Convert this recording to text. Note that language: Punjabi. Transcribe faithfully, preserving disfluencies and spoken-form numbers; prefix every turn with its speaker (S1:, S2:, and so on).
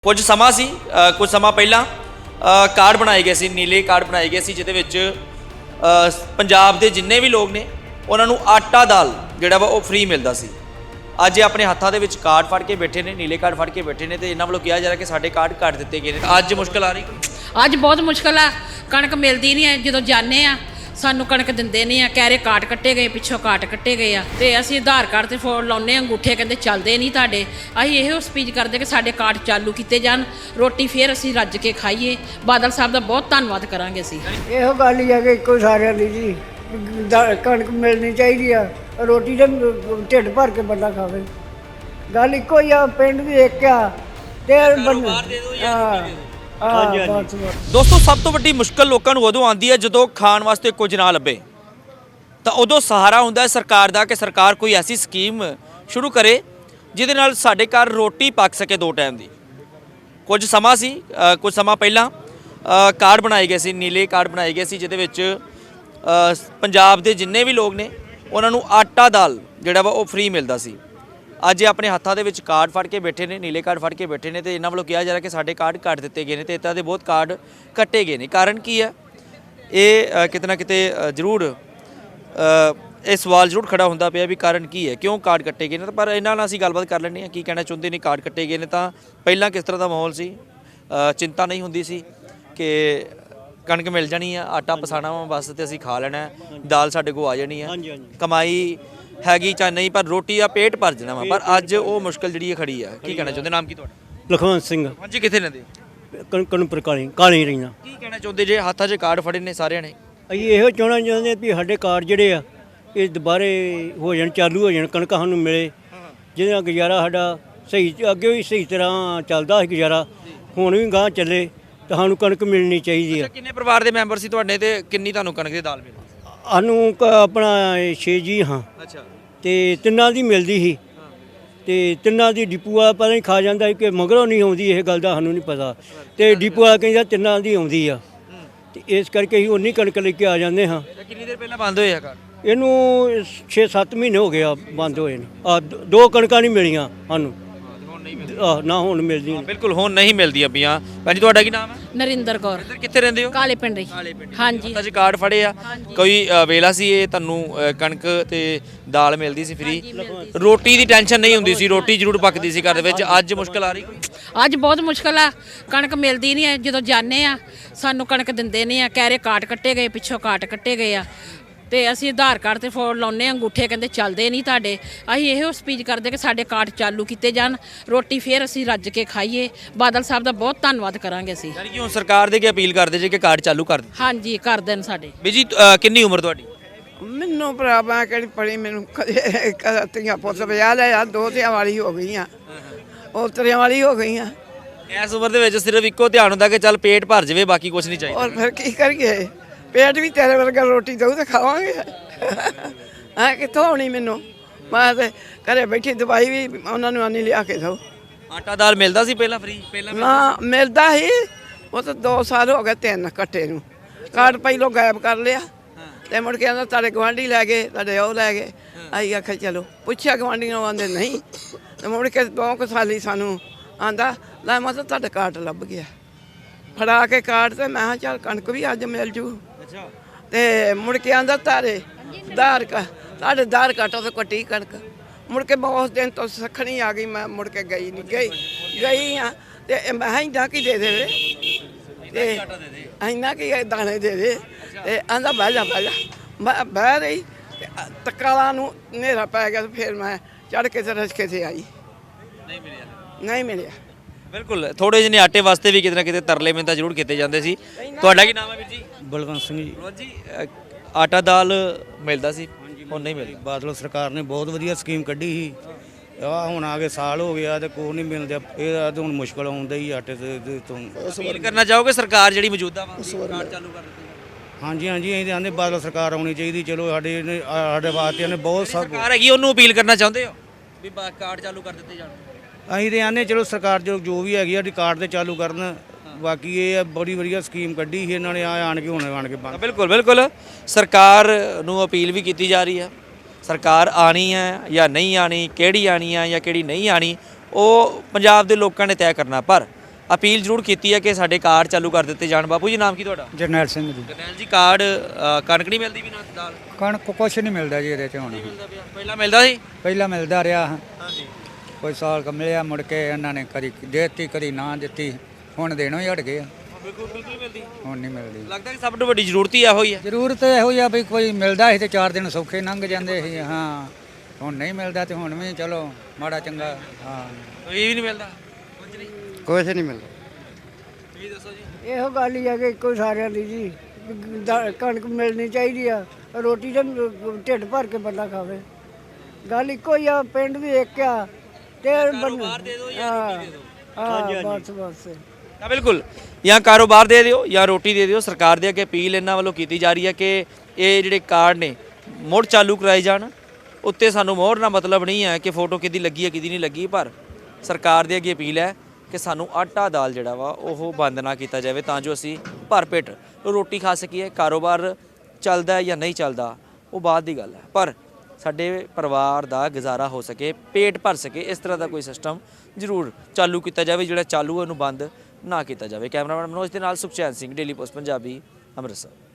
S1: ਕੁਝ ਸਮਾਂ ਸੀ ਕੁਝ ਸਮਾਂ ਪਹਿਲਾਂ ਕਾਰਡ ਬਣਾਏ ਗਏ ਸੀ, ਨੀਲੇ ਕਾਰਡ ਬਣਾਏ ਗਏ ਸੀ ਜਿਹਦੇ ਵਿੱਚ ਪੰਜਾਬ ਦੇ ਜਿੰਨੇ ਵੀ ਲੋਕ ਨੇ ਉਹਨਾਂ ਨੂੰ ਆਟਾ ਦਾਲ ਜਿਹੜਾ ਵਾ ਉਹ ਫ੍ਰੀ ਮਿਲਦਾ ਸੀ। ਅੱਜ ਇਹ ਆਪਣੇ ਹੱਥਾਂ ਦੇ ਵਿੱਚ ਕਾਰਡ ਫੜ ਕੇ ਬੈਠੇ ਨੇ, ਨੀਲੇ ਕਾਰਡ ਫੜ ਕੇ ਬੈਠੇ ਨੇ ਤੇ ਇਹਨਾਂ ਵੱਲੋਂ ਕਿਹਾ ਜਾ ਰਿਹਾ ਕਿ ਸਾਡੇ ਕਾਰਡ ਕੱਟ ਦਿੱਤੇ ਗਏ ਨੇ। ਅੱਜ ਮੁਸ਼ਕਲ ਆ ਰਹੀ,
S2: ਅੱਜ ਬਹੁਤ ਮੁਸ਼ਕਲ ਆ। ਕਣਕ ਮਿਲਦੀ ਨਹੀਂ ਹੈ, ਜਦੋਂ ਜਾਂਦੇ ਆ ਸਾਨੂੰ ਕਣਕ ਦਿੰਦੇ ਨਹੀਂ ਆ, ਕਹਿ ਰਹੇ ਕਾਟ ਕੱਟੇ ਗਏ, ਪਿੱਛੋਂ ਕਾਟ ਕੱਟੇ ਗਏ ਆ ਤੇ ਅਸੀਂ ਆਧਾਰ ਕਾਰਡ ਤੇ ਫੋਨ ਲਾਉਂਦੇ ਆ, ਅੰਗੂਠੇ ਕਹਿੰਦੇ ਚੱਲਦੇ ਨਹੀਂ ਤੁਹਾਡੇ। ਅਸੀਂ ਇਹੋ ਸਪੀਚ ਕਰਦੇ ਕਿ ਸਾਡੇ ਕਾਰਡ ਚਾਲੂ ਕੀਤੇ ਜਾਣ, ਰੋਟੀ ਫੇਰ ਅਸੀਂ ਰੱਜ ਕੇ ਖਾਈਏ। ਬਾਦਲ ਸਾਹਿਬ ਦਾ ਬਹੁਤ ਧੰਨਵਾਦ ਕਰਾਂਗੇ ਅਸੀਂ।
S3: ਇਹੋ ਗੱਲ ਹੀ ਹੈ ਕਿ ਇੱਕੋ ਸਾਰਿਆਂ ਦੀ ਜੀ ਕਣਕ ਮਿਲਣੀ ਚਾਹੀਦੀ ਆ, ਰੋਟੀ ਦੇ ਢਿੱਡ ਭਰ ਕੇ ਬੰਦਾ ਖਾਵੇ। ਗੱਲ ਇੱਕੋ ਹੀ ਆ, ਪਿੰਡ ਵੀ ਇੱਕ ਆ ਤੇ
S1: ਦੋਸਤੋ ਸਭ ਤੋਂ ਵੱਡੀ ਮੁਸ਼ਕਲ ਲੋਕਾਂ ਨੂੰ ਉਦੋਂ ਆਉਂਦੀ ਹੈ ਜਦੋਂ ਖਾਣ ਵਾਸਤੇ ਕੁਝ ਨਾ ਲੱਭੇ, ਤਾਂ ਉਦੋਂ ਸਹਾਰਾ ਹੁੰਦਾ ਹੈ ਸਰਕਾਰ ਦਾ ਕਿ ਸਰਕਾਰ ਕੋਈ ਐਸੀ ਸਕੀਮ ਸ਼ੁਰੂ ਕਰੇ ਜਿਹਦੇ ਨਾਲ ਸਾਡੇ ਘਰ ਰੋਟੀ ਪੱਕ ਸਕੇ ਦੋ ਟਾਈਮ ਦੀ। ਕੁਝ ਸਮਾਂ ਸੀ ਕੁਝ ਸਮਾਂ ਪਹਿਲਾਂ ਕਾਰਡ ਬਣਾਏ ਗਏ ਸੀ, ਨੀਲੇ ਕਾਰਡ ਬਣਾਏ ਗਏ ਸੀ ਜਿਹਦੇ ਵਿੱਚ ਪੰਜਾਬ ਦੇ ਜਿੰਨੇ ਵੀ ਲੋਕ ਨੇ ਉਹਨਾਂ ਨੂੰ ਆਟਾ ਦਾਲ ਜਿਹੜਾ ਵਾ ਉਹ ਫ੍ਰੀ ਮਿਲਦਾ ਸੀ। ਅੱਜ ਇਹ ਆਪਣੇ ਹੱਥਾਂ ਦੇ ਵਿੱਚ ਕਾਰਡ ਫੜ ਕੇ ਬੈਠੇ ਨੇ, ਨੀਲੇ ਕਾਰਡ ਫੜ ਕੇ ਬੈਠੇ ਨੇ ਤੇ ਇਹਨਾਂ ਵੱਲੋਂ ਕਿਹਾ ਜਾ ਰਿਹਾ ਕਿ ਸਾਡੇ ਕਾਰਡ ਕੱਟ ਦਿੱਤੇ ਗਏ ਨੇ ਤੇ ਇੱਦਾਂ ਦੇ ਬਹੁਤ ਕਾਰਡ ਕੱਟੇ ਗਏ ਨੇ। ਕਾਰਨ ਕੀ ਹੈ? ਇਹ ਕਿਤੇ ਨਾ ਕਿਤੇ ਜ਼ਰੂਰ ਇਹ ਸਵਾਲ ਜ਼ਰੂਰ ਖੜਾ ਹੁੰਦਾ ਪਿਆ ਵੀ ਕਾਰਨ ਕੀ ਹੈ, ਕਿਉਂ ਕਾਰਡ ਕੱਟੇ ਗਏ ਨੇ। ਪਰ ਇਹਨਾਂ ਨਾਲ ਅਸੀਂ ਗੱਲਬਾਤ ਕਰ ਲੈਂਦੇ ਹਾਂ, ਕੀ ਕਹਿਣਾ ਚਾਹੁੰਦੇ ਨੇ ਕਾਰਡ ਕੱਟੇ ਗਏ ਨੇ। ਤਾਂ ਪਹਿਲਾਂ ਕਿਸ ਤਰ੍ਹਾਂ ਦਾ ਮਾਹੌਲ ਸੀ? ਚਿੰਤਾ ਨਹੀਂ ਹੁੰਦੀ ਸੀ ਕਿ ਕਣਕ ਮਿਲ ਜਾਣੀ ਆ, ਆਟਾ ਪਸਾਣਾ ਵਾ ਬਸ ਤੇ ਅਸੀਂ ਖਾ ਲੈਣਾ, ਦਾਲ ਸਾਡੇ ਕੋਲ ਆ ਜਾਣੀ ਆ, ਕਮਾਈ ਹੈਗੀ ਚਾਹੇ ਨਹੀਂ ਪਰ ਰੋਟੀ ਆ ਪੇਟ ਭਰ ਜਾਣਾ ਵਾ। ਪਰ ਅੱਜ ਉਹ ਮੁਸ਼ਕਲ ਜਿਹੜੀ ਖੜੀ ਆ। ਕੀ ਕਹਿਣਾ ਚਾਹੁੰਦੇ? ਨਾਮ ਕੀ ਤੁਹਾਡਾ?
S4: ਲਖਵੰਤ ਸਿੰਘ।
S1: ਹਾਂਜੀ, ਕਿੱਥੇ ਰਹਿੰਦੇ?
S4: ਕਣਪੁਰ ਕਾਲੀ ਕਾਲੀ ਰਹੀਆਂ।
S1: ਕੀ ਕਹਿਣਾ ਚਾਹੁੰਦੇ ਜੇ ਹੱਥਾਂ 'ਚ ਕਾਰਡ ਫੜੇ ਨੇ ਸਾਰਿਆਂ ਨੇ?
S4: ਅਸੀਂ ਇਹੋ ਚਾਹਣਾ ਚਾਹੁੰਦੇ ਵੀ ਸਾਡੇ ਕਾਰਡ ਜਿਹੜੇ ਆ ਇਹ ਦੁਬਾਰੇ ਹੋ ਜਾਣ, ਚਾਲੂ ਹੋ ਜਾਣ, ਕਣਕ ਸਾਨੂੰ ਮਿਲੇ ਜਿਹਦੇ ਨਾਲ ਗੁਜ਼ਾਰਾ ਸਾਡਾ ਸਹੀ, ਅੱਗੇ ਵੀ ਸਹੀ ਤਰ੍ਹਾਂ ਚੱਲਦਾ ਸੀ ਗੁਜ਼ਾਰਾ, ਹੁਣ ਵੀ ਗਾਂਹ ਚੱਲੇ ਤਾਂ ਸਾਨੂੰ ਕਣਕ ਮਿਲਣੀ ਚਾਹੀਦੀ ਆ।
S1: ਕਿੰਨੇ ਪਰਿਵਾਰ ਦੇ ਮੈਂਬਰ ਸੀ ਤੁਹਾਡੇ ਤੇ ਕਿੰਨੀ ਤੁਹਾਨੂੰ ਕਣਕ ਦੀ ਦਾਲ ਮਿਲੀ?
S4: ਸਾਨੂੰ ਆਪਣਾ ਛੇ ਜੀ ਹਾਂ।
S1: ਅੱਛਾ।
S4: ਤੇ ਤਿੰਨਾਂ ਦੀ ਮਿਲਦੀ ਸੀ ਤੇ ਤਿੰਨਾਂ ਦੀ ਡਿਪੂ ਵਾਲਾ ਪਤਾ ਨਹੀਂ ਖਾ ਜਾਂਦਾ ਕਿ ਮਗਰੋਂ ਨਹੀਂ ਆਉਂਦੀ, ਇਹ ਗੱਲ ਦਾ ਸਾਨੂੰ ਨਹੀਂ ਪਤਾ। ਤੇ ਡਿਪੂ ਵਾਲਾ ਕਹਿੰਦਾ ਤਿੰਨਾਂ ਦੀ ਆਉਂਦੀ ਆ ਤੇ ਇਸ ਕਰਕੇ ਅਸੀਂ ਉਨੀ ਕਣਕ ਲੈ ਕੇ ਆ ਜਾਂਦੇ ਹਾਂ।
S1: ਕਿੰਨੀ ਦੇਰ ਪਹਿਲਾਂ ਬੰਦ ਹੋਏ ਆ ਕਾਰਡ?
S4: ਇਹਨੂੰ ਛੇ ਸੱਤ ਮਹੀਨੇ ਹੋ ਗਏ ਆ ਬੰਦ ਹੋਏ ਨੇ। ਆ ਦੋ ਕਣਕਾਂ ਨਹੀਂ ਮਿਲੀਆਂ ਸਾਨੂੰ, ਆਹ ਨਾ ਹੁਣ ਮਿਲਦੀਆਂ।
S1: ਬਿਲਕੁਲ ਹੁਣ ਨਹੀਂ ਮਿਲਦੀਆਂ ਪਈਆਂ। ਭਾਜੀ ਤੁਹਾਡਾ ਕੀ ਨਾਮ ਹੈ?
S2: ਨਰਿੰਦਰ ਕੌਰ।
S1: ਇੱਧਰ ਕਿੱਥੇ ਰਹਿੰਦੇ ਹੋ?
S2: ਕਾਲੇ ਪਿੰਡ। ਹਾਂਜੀ।
S1: ਅੱਜ ਕਾਰਡ ਫੜੇ ਆ, ਕੋਈ ਵੇਲਾ ਸੀ ਇਹ ਤੁਹਾਨੂੰ ਕਣਕ ਤੇ ਦਾਲ ਮਿਲਦੀ ਸੀ ਫ੍ਰੀ, ਰੋਟੀ ਦੀ ਟੈਨਸ਼ਨ ਨਹੀਂ ਹੁੰਦੀ ਸੀ, ਰੋਟੀ ਜ਼ਰੂਰ ਪੱਕਦੀ ਸੀ ਘਰ ਦੇ ਵਿੱਚ। ਅੱਜ ਮੁਸ਼ਕਲ ਆ ਰਹੀ?
S2: ਅੱਜ ਬਹੁਤ ਮੁਸ਼ਕਲ ਆ। ਕਣਕ ਮਿਲਦੀ ਨਹੀਂ ਹੈ, ਜਦੋਂ ਜਾਂਦੇ ਆ ਸਾਨੂੰ ਕਣਕ ਦਿੰਦੇ ਨਹੀਂ ਆ, ਕਹਿ ਰਹੇ ਕਾਟ ਕੱਟੇ ਗਏ, ਪਿੱਛੋਂ ਕਾਟ ਕੱਟੇ ਗਏ ਆ ਤੇ ਅਸੀਂ ਆਧਾਰ ਕਾਰਡ ਤੇ ਫੋਨ ਲਾਉਂਦੇ ਆ, ਅੰਗੂਠੇ ਕਹਿੰਦੇ ਚੱਲਦੇ ਨਹੀਂ ਤੁਹਾਡੇ। ਅਸੀਂ ਇਹੋ ਸਪੀਚ ਕਰਦੇ ਕਿ ਸਾਡੇ ਕਾਰਡ ਚਾਲੂ ਕੀਤੇ ਜਾਣ, ਰੋਟੀ ਫੇਰ ਅਸੀਂ ਰੱਜ ਕੇ ਖਾਈਏ। ਬਾਦਲ ਸਾਹਿਬ ਦਾ ਬਹੁਤ ਧੰਨਵਾਦ ਕਰਾਂਗੇ ਅਸੀਂ।
S1: ਯਾਨੀ ਕਿ ਹੁਣ ਸਰਕਾਰ ਦੇ ਕੀ ਅਪੀਲ ਕਰਦੇ ਜੇ ਕਿ ਕਾਰਡ ਚਾਲੂ ਕਰ ਦੇ?
S2: ਹਾਂਜੀ, ਕਰ ਦੇਣ ਸਾਡੇ।
S1: ਵੀ ਜੀ ਕਿੰਨੀ ਉਮਰ ਤੁਹਾਡੀ?
S3: ਮੈਨੂੰ ਭਰਾ ਮੈਂ ਕਿਹੜੀ ਪੜੀ, ਮੈਨੂੰ ਕਦੇ ਧੀਆਂ ਪੁੱਤ ਵਿਆਹ ਲਿਆ, ਦੋ ਧੀਆਂ ਵਾਲੀ ਹੋ ਗਈਆਂ, ਉਹ ਤਰੀਆਂ ਵਾਲੀ ਹੋ ਗਈਆਂ।
S1: ਇਸ ਉਮਰ ਦੇ ਵਿੱਚ ਸਿਰਫ ਇੱਕੋ ਧਿਆਨ ਹੁੰਦਾ ਕਿ ਚੱਲ ਪੇਟ ਭਰ ਜਾਵੇ, ਬਾਕੀ ਕੁਝ ਨਹੀਂ ਚਾਹੀਦਾ।
S3: ਔਰ ਫਿਰ ਕੀ ਕਰੀਏ? ਪੇਟ ਵੀ ਤੇਰੇ ਵਰਗਾ ਰੋਟੀ ਦਊ ਤੇ ਖਾਵਾਂਗੇ। ਹਾਂ, ਕਿੱਥੋਂ ਆਉਣੀ ਮੈਨੂੰ? ਮੈਂ ਤੇ ਘਰੇ ਬੈਠੀ ਦਵਾਈ ਵੀ ਉਹਨਾਂ ਨੂੰ ਆਨੀ ਲਿਆ ਕੇ ਦਊ।
S1: ਆਟਾ ਦਾਲ ਮਿਲਦਾ ਸੀ ਪਹਿਲਾਂ ਫ੍ਰੀ? ਪਹਿਲਾਂ
S3: ਨਾ ਮਿਲਦਾ ਸੀ, ਉਹ ਤਾਂ ਦੋ ਸਾਲ ਹੋ ਗਏ ਤਿੰਨ ਕੱਟੇ ਨੂੰ। ਕਾਰਡ ਪਹਿਲੋਂ ਗਾਇਬ ਕਰ ਲਿਆ ਤੇ ਮੁੜ ਕੇ ਆਂਦਾ ਤੁਹਾਡੇ ਗੁਆਂਢੀ ਲੈ ਗਏ, ਤੁਹਾਡੇ ਉਹ ਲੈ ਗਏ। ਅਸੀਂ ਆਖਿਆ ਚਲੋ, ਪੁੱਛਿਆ ਗੁਆਂਢੀਆਂ ਨੂੰ, ਆਂਦੇ ਨਹੀਂ। ਤੇ ਮੁੜ ਕੇ ਦੋ ਕੁ ਸਾਲੀ ਸਾਨੂੰ ਆਂਦਾ ਲੈ ਮੈਂ ਤਾਂ ਤੁਹਾਡਾ ਕਾਰਡ ਲੱਭ ਗਿਆ। ਫੜਾ ਕੇ ਕਾਰਡ ਤੇ ਮੈਂ ਕਿਹਾ ਚੱਲ ਕਣਕ ਵੀ ਅੱਜ ਮਿਲ ਜੂ। ਤੇ ਮੁੜ ਕੇ ਆਂਦਾ ਤਾਰੇ ਦਾਰ ਕਾ ਤੁਹਾਡੇ ਦਾਰ ਕਾਟੋ ਤੇ ਕੱਟੀ ਕਣਕ। ਮੁੜ ਕੇ ਬਹੁਤ ਦਿਨ ਤੋਂ ਸਖਣੀ ਆ ਗਈ, ਮੈਂ ਮੁੜ ਕੇ ਗਈ ਨਹੀਂ ਗਈ ਗਈ ਆ ਤੇ ਮੈਂ ਇੰਨਾ ਕੀ ਦੇ ਦੇਵੇ ਤੇ ਇੰਨਾ ਕੀ ਦਾਣੇ ਦੇ ਦੇ ਤੇ ਆਂਦਾ ਬਹਿ ਜਾ ਬਹਿ ਜਾ। ਮੈਂ ਬਹਿ ਰਹੀ ਤਕਾਲਾ ਨੂੰ ਹਨੇਰਾ ਪੈ ਗਿਆ ਤੇ ਫਿਰ ਮੈਂ ਚੜ ਕੇ ਤੇ ਰਸਕੇ ਤੇ ਆਈ।
S1: ਨਹੀਂ ਮਿਲਿਆ?
S3: ਨਹੀਂ ਮਿਲਿਆ।
S1: ਬਿਲਕੁਲ, ਥੋੜੇ ਜਿਹੇ ਆਟੇ ਵਾਸਤੇ ਵੀ ਕਿਤੇ ਨਾ ਕਿਤੇ ਤਰਲੇ ਮਿੰਤਾ ਜ਼ਰੂਰ ਕੀਤੇ ਜਾਂਦੇ ਸੀ। ਤੁਹਾਡਾ ਕੀ ਨਾਮ ਹੈ ਵੀਰ ਜੀ?
S4: ਬਲਵੰਤ ਸਿੰਘ ਜੀ।
S1: ਬਲਵੰਤ ਜੀ, ਆਟਾ ਦਾਲ ਮਿਲਦਾ ਸੀ, ਹੁਣ ਨਹੀਂ ਮਿਲਦਾ?
S4: ਬਾਦਲ ਸਰਕਾਰ ਨੇ ਬਹੁਤ ਵਧੀਆ ਸਕੀਮ ਕੱਢੀ ਸੀ। ਆ ਹੁਣ ਆ ਕੇ ਸਾਲ ਹੋ ਗਿਆ ਤੇ ਕੋਈ ਨਹੀਂ ਮਿਲਦਾ, ਇਹ ਹੁਣ ਮੁਸ਼ਕਲ ਆਉਂਦਾ ਹੀ ਆਟੇ ਤੇ ਤੋਂ।
S1: ਅਪੀਲ ਕਰਨਾ ਚਾਹੋਗੇ ਸਰਕਾਰ ਜਿਹੜੀ ਮੌਜੂਦਾ ਵਾ ਕਾਰਡ ਚਾਲੂ ਕਰ ਦਿੱਤੀ?
S4: ਹਾਂਜੀ ਹਾਂਜੀ, ਅਸੀਂ ਆਂਦੇ ਬਾਦਲ ਸਰਕਾਰ ਆਉਣੀ ਚਾਹੀਦੀ। ਚਲੋ ਸਾਡੇ ਸਾਡੇ ਵਾਸਤੇ ਨੇ ਬਹੁਤ ਸਭ
S1: ਸਰਕਾਰ ਹੈਗੀ, ਉਹਨੂੰ ਅਪੀਲ ਕਰਨਾ ਚਾਹੁੰਦੇ ਹੋ ਵੀ ਕਾਰਡ ਚਾਲੂ ਕਰ ਦਿੱਤੇ ਜਾਣ?
S4: ਅਸੀਂ ਤੇ ਆਂਦੇ ਚਲੋ ਸਰਕਾਰ ਜੋ ਜੋ ਵੀ ਹੈਗੀ ਆ ਕਾਰਡ ਤੇ ਚਾਲੂ ਕਰਨ। ਬਾਕੀ ਇਹ ਬੜੀ ਵਧੀਆ ਸਕੀਮ ਕੱਢੀ ਸੀ ਇਹਨਾਂ ਨੇ, ਆ ਆਣ ਕੇ ਹੁਣ ਆਣ ਕੇ ਬੰਦ।
S1: ਬਿਲਕੁਲ ਬਿਲਕੁਲ, ਸਰਕਾਰ ਨੂੰ ਅਪੀਲ ਵੀ ਕੀਤੀ ਜਾ ਰਹੀ ਹੈ। ਸਰਕਾਰ ਆਣੀ ਹੈ ਜਾਂ ਨਹੀਂ ਆਣੀ, ਕਿਹੜੀ ਆਣੀ ਹੈ ਜਾਂ ਕਿਹੜੀ ਨਹੀਂ ਆਣੀ, ਉਹ ਪੰਜਾਬ ਦੇ ਲੋਕਾਂ ਨੇ ਤੈਅ ਕਰਨਾ। ਪਰ ਅਪੀਲ ਜ਼ਰੂਰ ਕੀਤੀ ਹੈ ਕਿ ਸਾਡੇ ਕਾਰਡ ਚਾਲੂ ਕਰ ਦਿੱਤੇ ਜਾਣ। ਬਾਪੂ ਜੀ ਨਾਮ ਕੀ ਤੁਹਾਡਾ?
S5: ਜਰਨੈਲ ਸਿੰਘ ਜੀ।
S1: ਜਰਨੈਲ ਜੀ ਕਾਰਡ ਅ, ਕਣਕ ਨਹੀਂ ਮਿਲਦੀ ਵੀ ਨਾ ਦਾਲ
S5: ਕਣਕ ਕੁਛ ਨਹੀਂ ਮਿਲਦਾ ਜੀ ਇਹਦੇ ਚ ਹੁਣ।
S1: ਮਿਲਦਾ ਪਿਆ ਪਹਿਲਾਂ ਮਿਲਦਾ ਸੀ।
S5: ਪਹਿਲਾਂ ਮਿਲਦਾ ਰਿਹਾ
S1: ਹਾਂਜੀ
S5: ਕੋਈ ਸਾਲ ਕ ਮਿਲਿਆ, ਮੁੜ ਕੇ ਇਹਨਾਂ ਨੇ ਕਦੀ ਦੇਤੀ ਕਦੀ ਨਾ ਦਿੱਤੀ, ਹੁਣ ਦੇਣੋਂ ਹੀ ਹਟ ਗਏ ਆ।
S1: ਬਿਲਕੁਲ ਬਿਲਕੁਲ ਮਿਲਦੀ।
S5: ਹੁਣ ਨਹੀਂ ਮਿਲਦੀ।
S1: ਲੱਗਦਾ ਕਿ ਸਭ ਤੋਂ ਵੱਡੀ ਜ਼ਰੂਰਤ ਹੀ ਇਹੋ ਹੀ ਹੈ।
S5: ਜ਼ਰੂਰਤ ਇਹੋ ਹੀ ਆ ਵੀ ਕੋਈ ਮਿਲਦਾ ਸੀ ਤੇ ਚਾਰ ਦਿਨ ਸੌਖੇ ਲੰਘ ਜਾਂਦੇ ਸੀ। ਹਾਂ ਹੁਣ ਨਹੀਂ ਮਿਲਦਾ ਤੇ ਹੁਣ ਵੀ ਚਲੋ ਮਾੜਾ ਚੰਗਾ। ਹਾਂ
S1: ਕੋਈ ਵੀ ਨਹੀਂ ਮਿਲਦਾ ਕੁਝ ਨਹੀਂ।
S5: ਕੁਛ ਨਹੀਂ ਮਿਲਦਾ।
S1: ਤੁਸੀਂ ਦੱਸੋ ਜੀ।
S6: ਇਹੋ ਗੱਲ ਹੀ ਆ ਕਿ ਇੱਕੋ ਸਾਰਿਆਂ ਦੀ ਜੀ ਦਾ- ਕਣਕ ਮਿਲਣੀ ਚਾਹੀਦੀ ਆ, ਰੋਟੀ ਤਾਂ ਢਿੱਡ ਭਰ ਕੇ ਬੰਦਾ ਖਾਵੇ। ਗੱਲ ਇੱਕੋ ਹੀ ਆ, ਪਿੰਡ ਵੀ ਇੱਕ ਆ ਤੇ
S1: ਕਾਰੋਬਾਰ ਦੇ ਦਿਓ ਜਾਂ ਰੋਟੀ ਦੇ ਦਿਓ।
S6: ਹਾਂ ਬਸ ਬਸ
S1: ਤਾਂ ਬਿਲਕੁਲ ਜਾਂ ਕਾਰੋਬਾਰ ਦੇ ਦਿਓ ਜਾਂ ਰੋਟੀ ਦੇ ਦਿਓ। ਸਰਕਾਰ ਦੇ ਅੱਗੇ ਅਪੀਲ ਇਹਨਾਂ ਵੱਲੋਂ ਕੀਤੀ ਜਾ ਰਹੀ ਹੈ ਕਿ ਇਹ ਜਿਹੜੇ ਕਾਰਡ ਨੇ ਮੁੜ ਚਾਲੂ ਕਰਾਏ ਜਾਣ। ਉੱਤੇ ਸਾਨੂੰ ਮੋਹਰ ਨਾਲ ਮਤਲਬ ਨਹੀਂ ਹੈ ਕਿ ਫੋਟੋ ਕਿਹਦੀ ਲੱਗੀ ਹੈ ਕਿਹਦੀ ਨਹੀਂ ਲੱਗੀ, ਪਰ ਸਰਕਾਰ ਦੇ ਅੱਗੇ ਅਪੀਲ ਹੈ ਕਿ ਸਾਨੂੰ ਆਟਾ ਦਾਲ ਜਿਹੜਾ ਵਾ ਉਹ ਬੰਦ ਨਾ ਕੀਤਾ ਜਾਵੇ ਤਾਂ ਜੋ ਅਸੀਂ ਭਰ ਪੇਟ ਰੋਟੀ ਖਾ ਸਕੀਏ। ਕਾਰੋਬਾਰ ਚੱਲਦਾ ਹੈ ਜਾਂ ਨਹੀਂ ਚੱਲਦਾ ਉਹ ਬਾਅਦ ਦੀ ਗੱਲ ਹੈ, ਪਰ ਸਾਡੇ ਪਰਿਵਾਰ ਦਾ ਗੁਜ਼ਾਰਾ ਹੋ ਸਕੇ, ਪੇਟ ਭਰ ਸਕੇ, ਇਸ ਤਰ੍ਹਾਂ ਦਾ ਕੋਈ ਸਿਸਟਮ ਜ਼ਰੂਰ ਚਾਲੂ ਕੀਤਾ ਜਾਵੇ। ਜਿਹੜਾ ਚਾਲੂ ਹੈ ਉਹਨੂੰ ਬੰਦ ਨਾ ਕੀਤਾ ਜਾਵੇ। ਕੈਮਰਾਮੈਨ ਮਨੋਜ ਦੇ ਨਾਲ ਸੁਖਚੈਨ ਸਿੰਘ, ਡੇਲੀ ਪੋਸਟ ਪੰਜਾਬੀ, ਅੰਮ੍ਰਿਤਸਰ।